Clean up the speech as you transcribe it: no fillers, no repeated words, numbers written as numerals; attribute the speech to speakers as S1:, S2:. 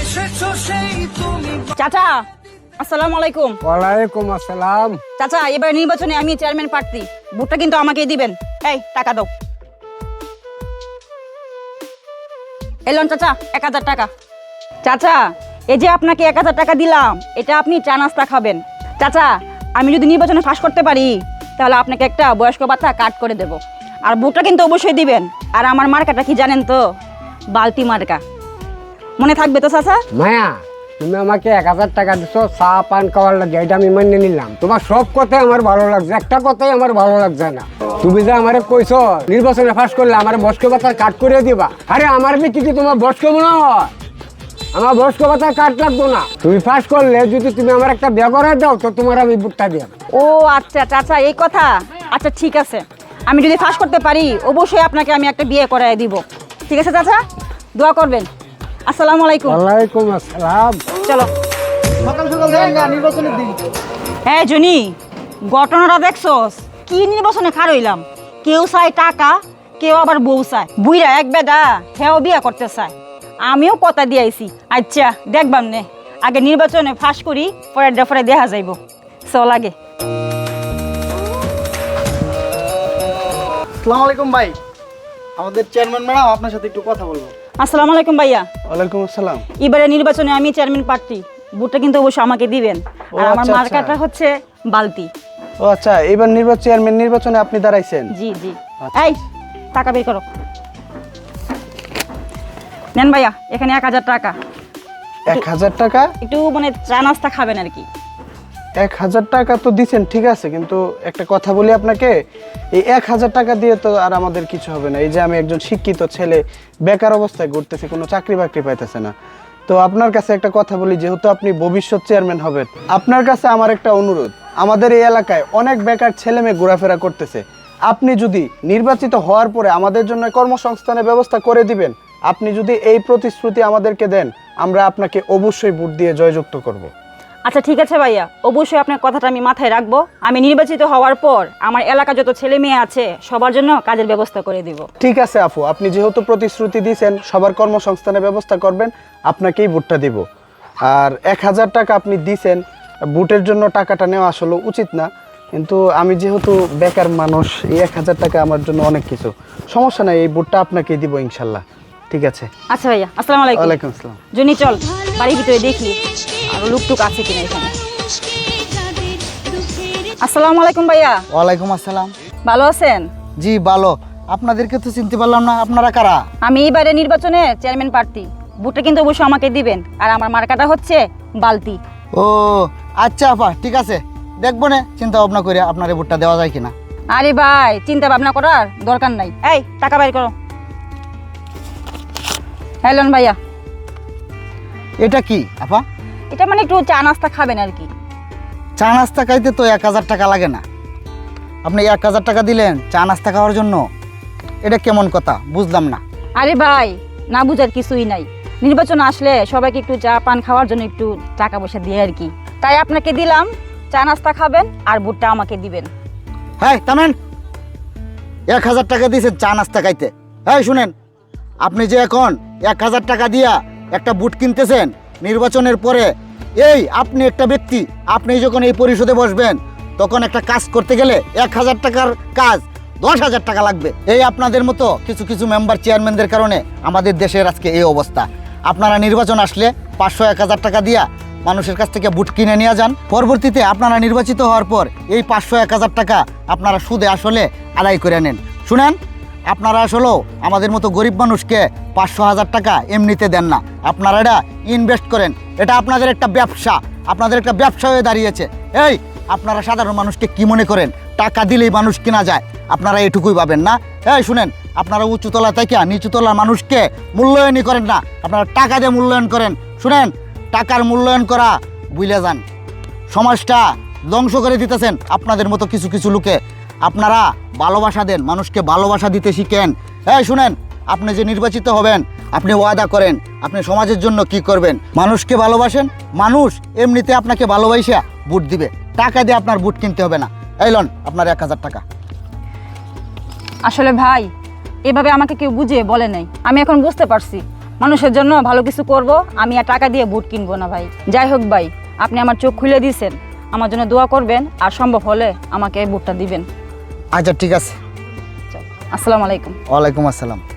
S1: চাচা আসসালামু আলাইকুম।
S2: ওয়ালাইকুম আসসালাম।
S1: চাচা এবার নির্বাচনে আমি চেয়ারম্যান প্রার্থী, ভোটটা কিন্তু আমাকেই দিবেন। এই টাকা দাও। এলন চাচা 1000 টাকা। চাচা এই যে আপনাকে 1000 টাকা দিলাম, এটা আপনি চা নাস্তা খাবেন। চাচা আমি যদি নির্বাচনে পাস করতে পারি তাহলে আপনাকে একটা বয়স্ক ভাতা কাট করে দেব, আর ভোটটা কিন্তু অবশ্যই দিবেন। আর আমার মার্কাটা কি জানেন তো? বালতি মার্কা। মনে থাকবে তো চাচা?
S2: মায়া, তুমি আমাকে 1000 টাকা দিছো চা পান খাওয়ার লাগে, এটা আমি মান্য নিলাম। তোমার সব কথাই আমার ভালো লাগছে, একটা কথাই আমার ভালো লাগছে না। তুমি যে আমারে কইছো নির্বাচনে পাস করলে আমার বয়স্ক ভাতা কাট করে দিবা, আরে আমার কি তোমার বয়স্ক মনে হয়? আমার বয়স্ক ভাতা কাট লাগবো না। তুমি পাস করলে যদি তুমি আমার একটা বিয়ে করে দাও তো তোমার আমি ভোটটা দিই।
S1: ও আচ্ছা চাচা এই কথা। আচ্ছা ঠিক আছে, আমি যদি পাস করতে পারি অবশ্যই আপনাকে আমি একটা বিয়ে করায় দিব। ঠিক আছে চাচা, দোয়া করবেন। আসসালামু আলাইকুম।
S2: ওয়ালাইকুম আসসালাম।
S1: চলো
S3: সকাল সকাল যাই না নির্বাচনের দিন।
S1: হ্যাঁ জনি, ঘটনাটা দেখছস? কি নির্বাচনে খার হইলাম, কেউ চায় টাকা, কেউ আবার বউ চায়। বুইরা এক বেদা হেও বিয়া করতে চায়। আমিও কথা দিয়েছি। আচ্ছা দেখবাম নে, আগে নির্বাচনে ফাঁস করি, পরে দেখা যাইব। চল আগে।
S3: আসসালামু আলাইকুম ভাই, আমাদের চেয়ারম্যান ম্যাডাম আপনার সাথে একটু কথা বলবো।
S1: আসসালামু আলাইকুম ভাইয়া।
S3: ওয়ালাইকুম আসসালাম।
S1: এবারে নির্বাচনে আমি চেয়ারম্যান প্রার্থী, ভোটটা কিন্তু অবশ্যই আমাকে দিবেন। আর আমার
S3: আচ্ছা,
S1: মার্কাটা হচ্ছে বালতি।
S3: ও আচ্ছা, এবার চেয়ারম্যান নির্বাচনে আপনি দাঁড়াইছেন?
S1: জি জি। এই টাকা বের করো। নেন ভাইয়া, এখানে 1000 টাকা।
S3: 1000 টাকা?
S1: একটু মানে চা নাস্তা খাবেন আর কি।
S3: 1000 টাকা তো দিছেন ঠিক আছে, কিন্তু একটা কথা বলি আপনাকে, এই 1000 টাকা দিয়ে তো আর আমাদের কিছু হবে না। এই যে আমি একজন শিক্ষিত ছেলে, বেকার অবস্থায় ঘুরতেছি, কোনো চাকরি বাকরি পাইতেছে না। তো আপনার কাছে একটা কথা বলি, যেহেতু আপনি ভবিষ্যৎ চেয়ারম্যান হবেন, আপনার কাছে আমার একটা অনুরোধ। আমাদের এই এলাকায় অনেক বেকার ছেলে মেয়ে ঘোরাফেরা করতেছে। আপনি যদি নির্বাচিত হওয়ার পরে আমাদের জন্য কর্মসংস্থানের ব্যবস্থা করে দিবেন, আপনি যদি এই প্রতিশ্রুতি আমাদেরকে দেন, আমরা আপনাকে অবশ্যই ভোট দিয়ে জয়যুক্ত করব।
S1: আচ্ছা ঠিক আছে ভাইয়া, অবশ্যই আপনার কথাটা আমি মাথায় রাখবো। আমি নির্বাচিত হওয়ার পর আমার এলাকা যত ছেলে মেয়ে আছে সবার জন্য কাজের ব্যবস্থা করে দিব।
S3: ঠিক আছে আপু, আপনি যেহেতু প্রতিশ্রুতি দিয়েছেন সবার কর্মসংস্থানের ব্যবস্থা করবেন, আপনাকেই ভোটটা দিব। আর 1000 টাকা আপনি দিয়েছেন, ভোটের জন্য টাকাটা নেওয়া আসলে উচিত না, কিন্তু আমি যেহেতু বেকার মানুষ, এই 1000 টাকা আমার জন্য অনেক কিছু। সমস্যা নাই, এই ভোটটা আপনাকেই দিব ইনশাল্লাহ। ঠিক আছে।
S1: আচ্ছা ভাইয়া, আসসালামু আলাইকুম।
S3: ওয়ালাইকুম আসসালাম।
S1: জনি চল বাড়ির ভিতরে দেখি আর লুকটুক আছে কিনা এখানে। আসসালামু আলাইকুম ভাইয়া।
S4: ওয়ালাইকুম আসসালাম।
S1: ভালো আছেন?
S4: জি ভালো। আপনাদেরকে তো চিনতে পারলাম না, আপনারা কারা?
S1: আমি এবারে নির্বাচনে চেয়ারম্যান প্রার্থী, ভোটটা কিন্তু অবশ্যই আমাকে দিবেন। আর আমার মার্কাটা হচ্ছে বালতি।
S4: ও আচ্ছা আপা, ঠিক আছে, দেখবো না চিন্তা ভাবনা করে আপনার এই ভোটটা দেওয়া যায় কিনা।
S1: আরে ভাই চিন্তা ভাবনা করার দরকার নাই। এই টাকা বাইর করো। হ্যালো ভাইয়া।
S4: এটা কি আপা?
S1: এটা মানে একটু চা নাস্তা খাবেন আর কি।
S4: চা নাস্তা খাইতে তো 1000 টাকা লাগে না, আপনি 1000 টাকা দিলেন চা নাস্তা খাওয়ার জন্য? এটা কেমন কথা, বুঝলাম না।
S1: আরে ভাই না বুঝার কিছুই নাই, নির্বাচন আসলে সবাইকে একটু চা পান খাওয়ার জন্য একটু টাকা পয়সা দিয়ে আর কি, তাই আপনাকে দিলাম। চা নাস্তা খাবেন আর ভোটটা আমাকে দিবেন।
S4: হ্যাঁ থামেন, 1000 টাকা দিয়েছেন চা নাস্তা খাইতে? হ্যাঁ শুনেন, আপনি যে এখন 1000 টাকা দিয়া একটা বুট কিনতেছেন, নির্বাচনের পরে এই আপনি একটা ব্যক্তি, আপনি যখন এই পরিষদে বসবেন তখন একটা কাজ করতে গেলে 1000 টাকার কাজ 10,000 টাকা লাগবে। এই আপনাদের মতো কিছু কিছু মেম্বার চেয়ারম্যানদের কারণে আমাদের দেশের আজকে এই অবস্থা। আপনারা নির্বাচন আসলে 500-1000 টাকা দিয়া মানুষের কাছ থেকে বুট কিনে নিয়ে যান, পরবর্তীতে আপনারা নির্বাচিত হওয়ার পর এই 500-1000 টাকা আপনারা সুদে আসলে আদায় করে নেন। শুনেন, আপনারা আসলেও আমাদের মতো গরিব মানুষকে 500-1000 টাকা এমনিতে দেন না, আপনারা এটা ইনভেস্ট করেন। এটা আপনাদের একটা ব্যবসা, আপনাদের একটা ব্যবসা হয়ে দাঁড়িয়েছে। এই আপনারা সাধারণ মানুষকে কি মনে করেন টাকা দিলেই মানুষ কেনা যায়? আপনারা এটুকুই পাবেন না। এই শুনেন, আপনারা উঁচুতলা থেকে নিচুতলার মানুষকে মূল্যায়নই করেন না, আপনারা টাকা দিয়ে মূল্যায়ন করেন। শুনেন, টাকার মূল্যায়ন করা ভুলে যান, সমাজটা ধ্বংস করে দিতেছেন আপনাদের মতো কিছু কিছু লোকে। আপনারা ভালোবাসা দেন, মানুষকে ভালোবাসা দিতে শিখেন। এই শুনেন, আপনি যে নির্বাচিত হবেন, আপনি ওয়াদা করেন আপনি সমাজের জন্য কি করবেন, মানুষকে ভালোবাসেন, মানুষ এমনিতে আপনাকে ভালোবাসা ভোট দিবে, টাকা দিয়ে আপনার ভোট কিনতে হবে না। এই লন আপনার 1000 টাকা।
S1: আসলে ভাই এভাবে আমাকে কেউ বুঝিয়ে বলে নাই, আমি এখন বুঝতে পারছি মানুষের জন্য ভালো কিছু করব, আমি আর টাকা দিয়ে বুট কিনবো না ভাই। যাই হোক ভাই, আপনি আমার চোখ খুলে দিয়েছেন, আমার জন্য দোয়া করবেন আর সম্ভব হলে আমাকে এই বুটটা দিবেন।
S4: আচ্ছা ঠিক আছে।
S1: আসসালামু আলাইকুম।
S4: ওয়ালাইকুম আসসালাম।